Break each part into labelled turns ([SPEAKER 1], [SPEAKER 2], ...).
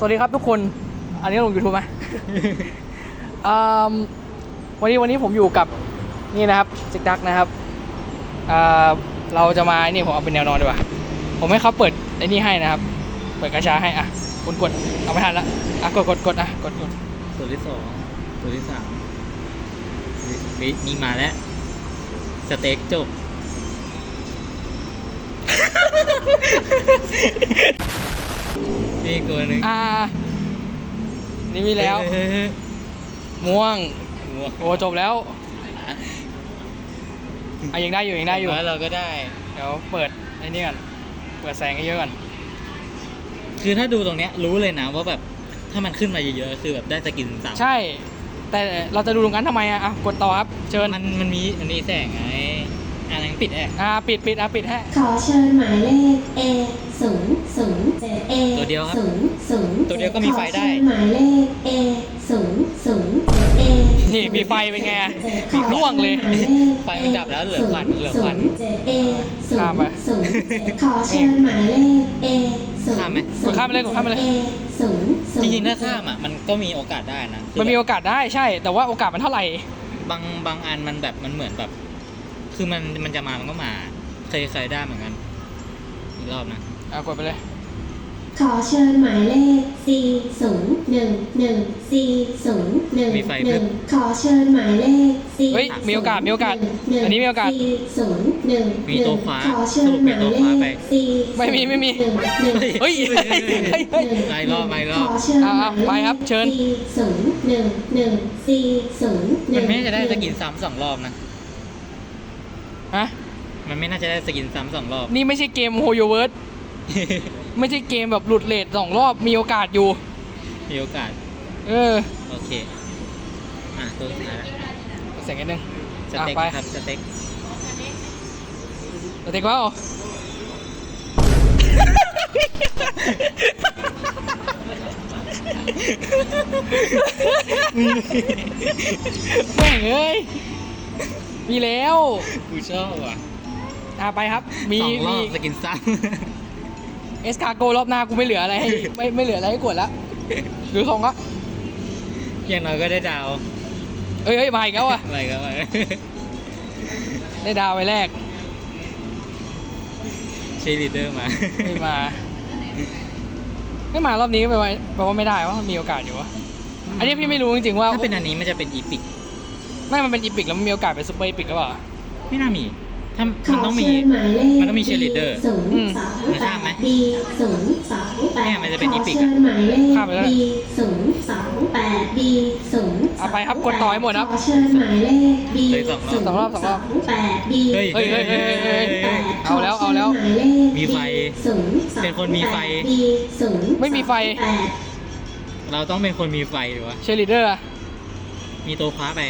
[SPEAKER 1] วัสดีครับทุกคนอันนี้ลง YouTube ไหม วันนี้ผมอยู่กับนี่นะครับซิกดักนะครับเราจะมานี่ผมเอาเป็นแนวนอนดีกว่าผมให้เขาเปิดไอ้นี่ให้นะครับเปิดกระชาให้อ่ะกดเอาไม่ทันละอ่ะกดอ่ะกด
[SPEAKER 2] ตัวที่สองตัวที่สามนี่มาแล้วสเต็กจบนี่ตัวหนึ่ง
[SPEAKER 1] นี่มีแล้วม่วงโอ้จบแล้วยังได้อยู่
[SPEAKER 2] แล้วเราก็ได้
[SPEAKER 1] เดี๋ยวเปิดไอ้นี่ก่อนเปิดแสงให้เยอะก่อน
[SPEAKER 2] คือถ้าดูตรงเนี้ยรู้เลยนะว่าแบบถ้ามันขึ้นมาเยอะๆคือแบบได้สกิน3
[SPEAKER 1] ใช่แต่เราจะดูตรงนั้นทำไมอ่ะกดต่อครับเชิญ
[SPEAKER 2] มันมีแสงไงอะไรปิด
[SPEAKER 1] ปิดให้
[SPEAKER 3] ขอเชิญหมายเลข A007 A
[SPEAKER 2] ตัวเดียวครับ
[SPEAKER 3] 007
[SPEAKER 2] ตัวเดียวก็มีไฟได้
[SPEAKER 3] หมายเลข A007 A
[SPEAKER 1] นี่มีไฟเป็นไงมีร่วงเลย
[SPEAKER 2] ไฟมันดับแล้วเหลือควัน
[SPEAKER 3] A
[SPEAKER 1] ข้ามไป
[SPEAKER 3] 007ขอเชิญหมายเลข A
[SPEAKER 2] ข้ามไหม
[SPEAKER 1] กดข้ามไปเลย
[SPEAKER 3] A 007
[SPEAKER 2] จริงๆถ้าข้ามอ่ะมันก็มีโอกาสได้นะ
[SPEAKER 1] มันมีโอกาสได้ใช่แต่ว่าโอกาสมันเท่าไหร่
[SPEAKER 2] บางอันมันแบบมันเหมือนแบบคือมันจะมามันก็มาเคยได้เหมือนกันอีกรอบนะ
[SPEAKER 1] กดไปเลย
[SPEAKER 3] ขอเชิญหมายเลข 4011401ขอเชิญหมายเลข
[SPEAKER 1] เฮ้ยมีโอกาสอันนี้มีโอกาส
[SPEAKER 3] 401
[SPEAKER 2] มีตัวขวา
[SPEAKER 3] สรุปเป็นตัวขวาไป
[SPEAKER 1] ไม่มีเฮ้ย
[SPEAKER 2] ไม่รอบ
[SPEAKER 1] ไปครับเชิญ
[SPEAKER 2] มันไม่น่าจะได้สกินซ้ำ2 รอบนะมันไม่น่าจะได้สกินซ้ำ2 รอบ
[SPEAKER 1] นี่ไม่ใช่เกมโฮโยเวิร์ด ไม่ใช่เกมแบบหลุดเรท2 รอบมีโอกาสอยู่
[SPEAKER 2] มีโอกาสโอเคตัวสุดท้ายแล้ว
[SPEAKER 1] เสียงนิดนึง
[SPEAKER 2] สเต็กครับสเต็ก
[SPEAKER 1] ว่าแม่งเอ้ยมีแล้ว
[SPEAKER 2] กูชอบว่ะ
[SPEAKER 1] ไปครับมี
[SPEAKER 2] สกินซ้
[SPEAKER 1] ำเอสคาโกรอบหน้ากูไม่เหลืออะไรให้ไม่เหลืออะไรให้กดแล้วหรือของก็
[SPEAKER 2] อย่างน้อยก็ได้ดาว
[SPEAKER 1] เอ้ยมาอีกแล้วอ่ะ
[SPEAKER 2] อะไรก็
[SPEAKER 1] ได้ดาวไปแรก
[SPEAKER 2] เชลีเดอร์มา
[SPEAKER 1] ไม่มารอบนี้แปลว่าไม่ได้ว่ามีโอกาสอยู่วะอันนี้พี่ไม่รู้จริงๆว่า
[SPEAKER 2] ถ้าเป็นอันนี้มันจะเป็นอีพิก
[SPEAKER 1] มันเป็นอีพิกแล้วมันมีโอกาสเป็นซูเปอร์อีพิกหรือเปล่า
[SPEAKER 2] ไม่น่ามีถ้ามันต้องมีเชลีเดอร์มันข้ามไหมเนี่ยมันจะเป็นอีพิก
[SPEAKER 1] ข้ามไปแล้วไปครับกดต่อให้หมดครับ
[SPEAKER 2] เลย2 รอบเฮ้ย
[SPEAKER 1] เอาแล้ว
[SPEAKER 2] มีไฟเป็นคนมีไฟ
[SPEAKER 1] ไม่มีไฟ
[SPEAKER 2] เราต้องเป็นคนมีไฟหรือวะ
[SPEAKER 1] เชลิเดอร์
[SPEAKER 2] มีตัวคว้าไป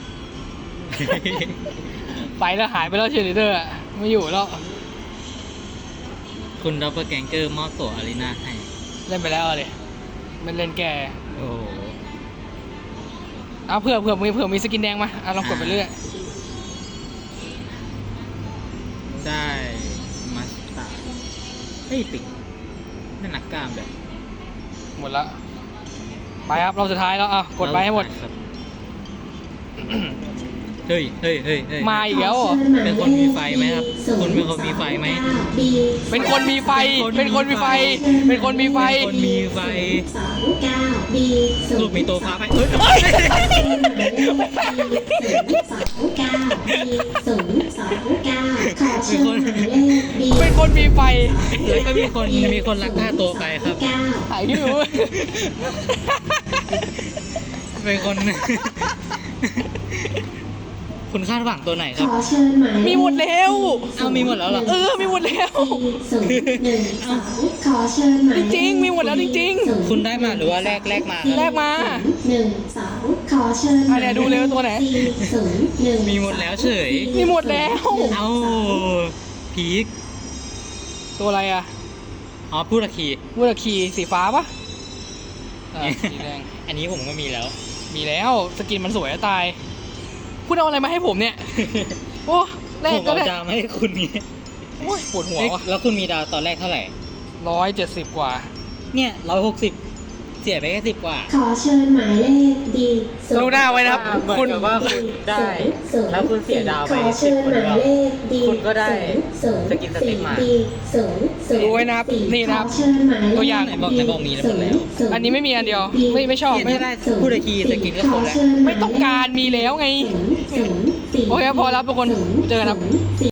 [SPEAKER 1] แล้วหายไปแล้วเชลิเดอร์ไม่อยู่แล้ว
[SPEAKER 2] คุณดับเบิลแกงเกอร์มอบตั๋วอารีนาให้
[SPEAKER 1] เล่นไปแล้วเลยมันเล่นแก
[SPEAKER 2] โอ้
[SPEAKER 1] เผื่อมีสกินแดงมาลองกดไปเรื่อย
[SPEAKER 2] ได้มาสตาร์ปิดนั่นหนักกล้ามแบบ
[SPEAKER 1] หมดละไปครับเราสุดท้ายแล้วกดไปให้หมด
[SPEAKER 2] เฮ้ย
[SPEAKER 1] มาอีกแล้ว
[SPEAKER 2] เป็นคนมีไฟไหมครับคุณเป็นคนมีไฟไหม
[SPEAKER 1] เป็นคนมีไฟ
[SPEAKER 2] รูปมีตัวฟ้าไป
[SPEAKER 1] เป็นคนมีไฟ
[SPEAKER 2] แล้วก็มีคนลักพาตัวไปครับ
[SPEAKER 1] หายที่รู้
[SPEAKER 2] เป็นคนคุณคาดหวังตัวไหนครับ
[SPEAKER 1] มีหมดแล้ว
[SPEAKER 2] มีหมดแล้วเหรอ
[SPEAKER 1] มีหมดแล้วจริงมีหมดแล้วจริง
[SPEAKER 2] คุณได้มาหรือว่าแลกมา
[SPEAKER 3] ขอเชิญ
[SPEAKER 1] เนี่ยดูเร็วตัวไหน
[SPEAKER 2] มีหมดแล้วเฉย
[SPEAKER 1] มีหมดแล้ว
[SPEAKER 2] พีค
[SPEAKER 1] ตัวอะไร
[SPEAKER 2] พูดคี
[SPEAKER 1] สีฟ้าปะสีแดง
[SPEAKER 2] อันนี้ผมก็มีแล้ว
[SPEAKER 1] สกินมันสวยจะตายพูดเอาอะไรมาให้ผมเนี่ยโอ้แรกก็
[SPEAKER 2] ได้ดาวมาให้คุณนี่
[SPEAKER 1] โอ้ยปวดหัววะ
[SPEAKER 2] แล้วคุณมีดาวตอนแรกเท่าไหร่
[SPEAKER 1] 170 กว่า
[SPEAKER 2] เนี่ย160 เสียไปแค่10 กว่า
[SPEAKER 3] ขอเชิญหมายเลขดี
[SPEAKER 1] รู้หน้าไว้นะครับ คุณ
[SPEAKER 2] ว่าคุณได้แล้วคุณเสียดาวไป
[SPEAKER 3] ขอเชิญหมายเลขดี
[SPEAKER 2] คุณก็ได้
[SPEAKER 3] ศูนย์
[SPEAKER 2] สกินสติ๊กมา
[SPEAKER 3] ดีศูนย์ศูนย์
[SPEAKER 1] รู้ไว้นะครับ
[SPEAKER 3] สี่
[SPEAKER 1] นี่นะครับ
[SPEAKER 3] ขอเชิญหมายเลข
[SPEAKER 1] ตัวอย่าง
[SPEAKER 2] ในบอกมีแล้วหมดแล้ว
[SPEAKER 3] ศูย์
[SPEAKER 1] อันนี้ไม่มีอันเดียว ไม่ชอบ
[SPEAKER 2] เห็น
[SPEAKER 1] ไม่
[SPEAKER 2] ไม่ได้พูดอีกทีสกินก็ครบแล้ว
[SPEAKER 3] ขเชิญห
[SPEAKER 1] ไม่ต้องการมีแล้วไง
[SPEAKER 3] ศูนย์สี่
[SPEAKER 1] โอเคพอแล้วทุกคนเจอกันครับ
[SPEAKER 3] ศูย์สี่